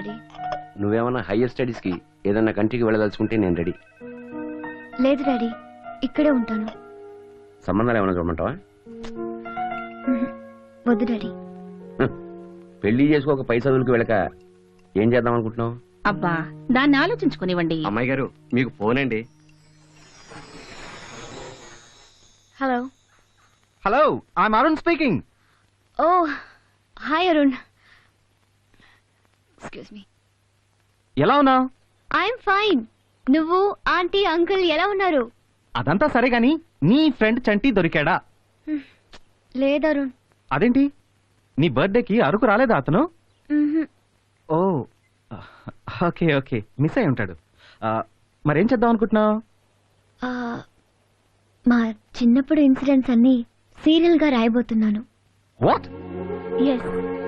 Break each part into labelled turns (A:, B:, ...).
A: Daddy.
B: నువ్వేమన్నా higher studies కి ఏదన్నా కంట్రీకి వెళ్ళదలుచుకుంటే నేను రెడీ.
A: లేదు డాడీ, ఇక్కడే ఉంటాను.
B: సంబంధాలు ఏమైనా చూడమంటావా?
A: వద్దు డాడీ.
B: పెళ్లి చేసుకోక పై చదువులకు వెళ్ళక ఏం చేద్దాం అనుకుంటున్నావు?
C: అబ్బా, దాన్ని ఆలోచించుకునివ్వండి.
B: అమ్మాయి గారు, మీకు ఫోన్ అండి.
A: Hello.
D: Hello, I'm Arun speaking.
A: Oh hi Arun. Excuse me.
D: ఎలా ఉన్నావు?
A: I'm fine. నువ్వు, ఆంటీ, అంకుల్ ఎలా ఉన్నారు?
D: అదంతా సరే గాని నీ ఫ్రెండ్ చంటి దొరికాడా?
A: లేదు అరుణ్.
D: అదేంటి, నీ బర్త్డేకి అరకు రాలేదా అతను? ఓ ఓకే ఓకే, మిస్ అయి ఉంటాడు. మరేం చేద్దాం అనుకుంటున్నావు?
A: మా చిన్నప్పుడు ఇన్సిడెంట్స్ అన్ని సీరియల్ గా రాయబోతున్నాను.
D: వాట్?
A: ఎస్.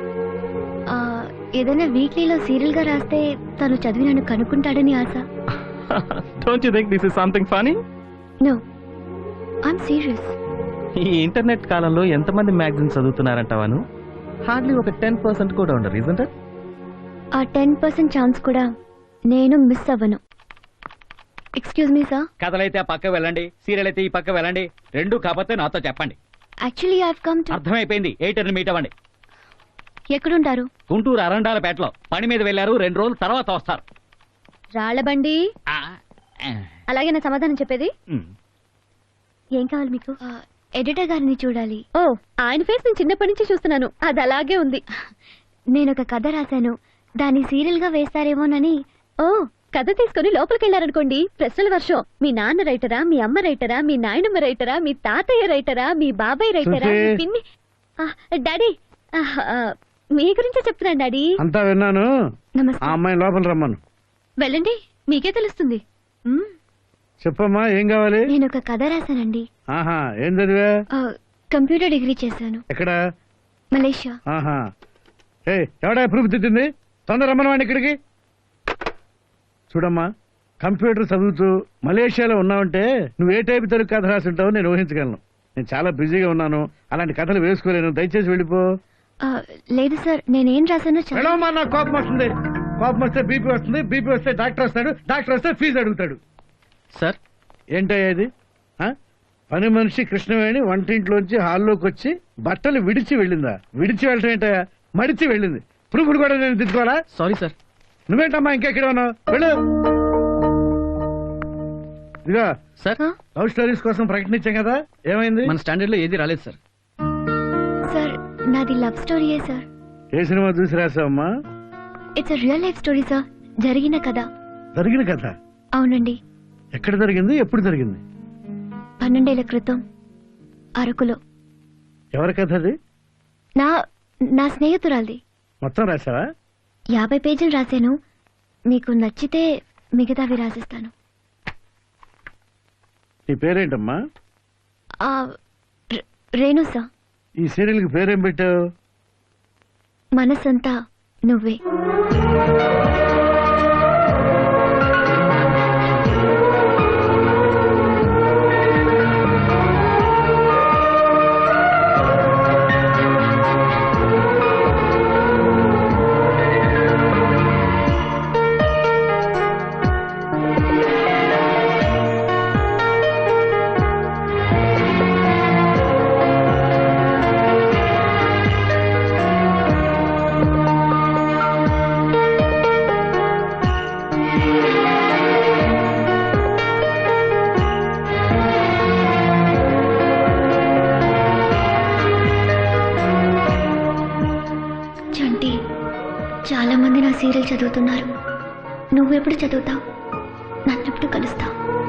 A: ఏదైనా వీక్లీలో సీరియల్ గా రాస్తే తను చదివి నన్ను కనుక్కుంటాడని ఆశ.
D: Don't you think this is something funny?
A: No, I'm serious.
D: ఈ ఇంటర్నెట్ కాలంలో ఎంతమంది మ్యాగజైన్స్ చదువుతున్నారంటావాను? హార్డ్లీ ఒక 10% కూడా ఉండరు, ఇజంట్ ఇట్?
A: ఆ 10% ఛాన్స్ కూడా నేను మిస్ అవ్వను. Excuse me sir.
E: కథలైతే ఆ పక్క వెళ్ళండి, సీరియల్ అయితే ఈ పక్క వెళ్ళండి. రెండు కాకపోతే నాతో చెప్పండి.
A: Actually I have come to.
E: అర్థమైపోయింది. 8 మీట్ అవ్వండి.
A: ఎక్కడుంటారు?
E: గుంటూరు అరండాలపేటలో పని మీద వెళ్ళారు. 2 రోజుల తర్వాత వస్తారు.
A: రాళ్లబండి. అలాగే నా సమాధానం చెప్పేది. ఏం కావాలి మీకు? ఎడిటర్ గారిని చూడాలి. ఓ, ఆయన ఫేస్ నేను చిన్నప్పటి నుంచి చూస్తున్నాను. అది అలాగే ఉంది. నేను ఒక కథ రాశాను, దాన్ని సీరియల్ గా వేస్తారేమోనని. ఓ, కథ తీసుకుని లోపలికి వెళ్ళారనుకోండి, ప్రశ్నల వర్షం. మీ నాన్న రైటరా, మీ అమ్మ రైటరా, మీ నాయనమ్మ రైటరా, మీ తాతయ్య రైటరా, మీ బాబాయ్ రైటరా, మీ పిన్ని. డాడీ, మీ గురించే చెప్తున్నాను డాడీ.
F: అంతా విన్నాను.
A: నమస్తే.
F: అమ్మాయి లోపల రమ్మను.
A: వెళ్ళండి, మీకే తెలుస్తుంది.
F: చెప్పమ్మా, ఏం కావాలి?
A: నేను ఒక కథ రాశానండి.
F: ఆహా, ఏం చదివా?
A: కంప్యూటర్ డిగ్రీ చేశాను.
F: ఎక్కడ?
A: మలేషియా.
F: ఆహా. ఎవడా ప్రూఫ్ తిట్టింది? తొందర రమ్మనవాడిని ఇక్కడికి. చూడమ్మా, కంప్యూటర్ చదువుతూ మలేషియాలో ఉన్నావంటే నువ్వు ఏ టైప్ తెలుగు కథ రాసి ఉంటావో నేను ఊహించగలను. నేను చాలా బిజీగా ఉన్నాను, అలాంటి కథలు వేసుకోలేను. దయచేసి వెళ్ళిపో.
A: లేదు సార్, నేనేం రాశానో
F: వెళ్ళమ్మా. నాకు కోపం వస్తుంది. కోపం వస్తే బీపీ వస్తుంది, బీపీ వస్తే డాక్టర్ వస్తాడు, డాక్టర్ వస్తే ఫీజు అడుగుతాడు.
D: సార్,
F: ఏంటయ్యా ఇది? పని మనిషి కృష్ణవేణి వంటింట్లోంచి హాల్లోకి వచ్చి బట్టలు విడిచి వెళ్ళిందా? విడిచి వెళ్ళటం ఏంటయ్యా? మడిచి వెళ్ళింది. ప్రూఫ్లు కూడా నేను తిట్టుకోవాలా?
D: Sorry sir.
F: నువ్వేంటమ్మా ఇంకెక్కడ ఉన్నావు? వెళ్ళు. ఇదిగా
D: సార్,
F: లవ్ స్టోరీస్ కోసం ప్రకటించాం కదా, ఏమైంది?
E: మన స్టాండర్డ్ లో ఏది రాలేదు సార్.
A: సార్, నాది లవ్ స్టోరీయే సార్.
F: ఏ సినిమా చూసి రాసావమ్మా?
A: It's real life story sir. జరిగిన కథ.
F: జరిగిన కథ?
A: అవునండి.
F: ఎక్కడ జరిగింది? ఎప్పుడు జరిగింది?
A: 12 ఏళ్ల క్రితం అరకులో.
F: ఎవరి కథ అది?
A: నా స్నేహితురాల్ది.
F: మొత్తం రాసావా?
A: 50 పేజీలు రాశాను. మీకు నచ్చితే మిగతావి రాసిస్తాను.
F: నీ పేరేంటమ్మా?
A: రేణు సార్.
F: ఈ సీరియల్ కి పేరేం పెట్టావు?
A: మనసంతా నువ్వే. చాలా మంది నా సీరియల్ చదువుతున్నారు. నువ్వెప్పుడు చదువుతావు? నన్నెప్పుడు కలుస్తావు?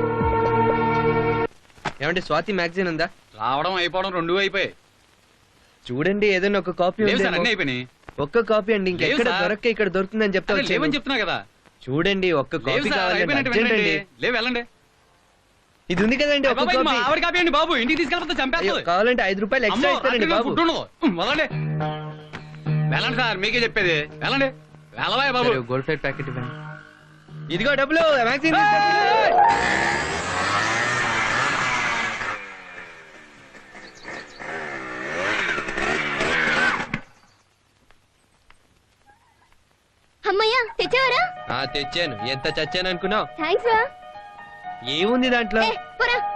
G: ఏమంటే స్వాతి మ్యాగజైన్ ఉందా?
E: రావడం అయిపోవడం 2 అయిపోయాయి.
G: చూడండి, ఏదైనా ఒక కాపీ
E: అయిపోయినాయి.
G: ఒక్క కాపీ అండి, ఇంకెక్కడ దొరక్క ఇక్కడ దొరుకుతుందని చెప్తా
E: చెప్తున్నా కదా.
G: చూడండి, ఒక్క కాపీ కావాలి.
E: వెళ్ళండి.
G: ఇది ఉంది కదండి, ఒక
E: కాపీ అండి బాబు. ఇంటికి తీసుకెళ్ళిపోతే చంపేస్తుంది.
G: కావాలంటే 5 రూపాయలు ఎక్స్ట్రా ఇస్తారండి బాబు.
E: వెళ్ళండి వెళ్ళండి సార్, మీకే చెప్పేది. వెళ్ళండి వెళ్ళవా బాబు.
G: గోల్డ్ ప్లేట్ ప్యాకెట్ ఇవ్వండి. ఇదిగో డబ్బులు. మ్యాగజైన్
A: అమ్మయ్యా, తెచ్చావరా?
G: తెచ్చాను. ఎంత చచ్చాను అనుకున్నావు?
A: థ్యాంక్స్ రా.
G: ఏముంది దాంట్లో?
A: పోరా.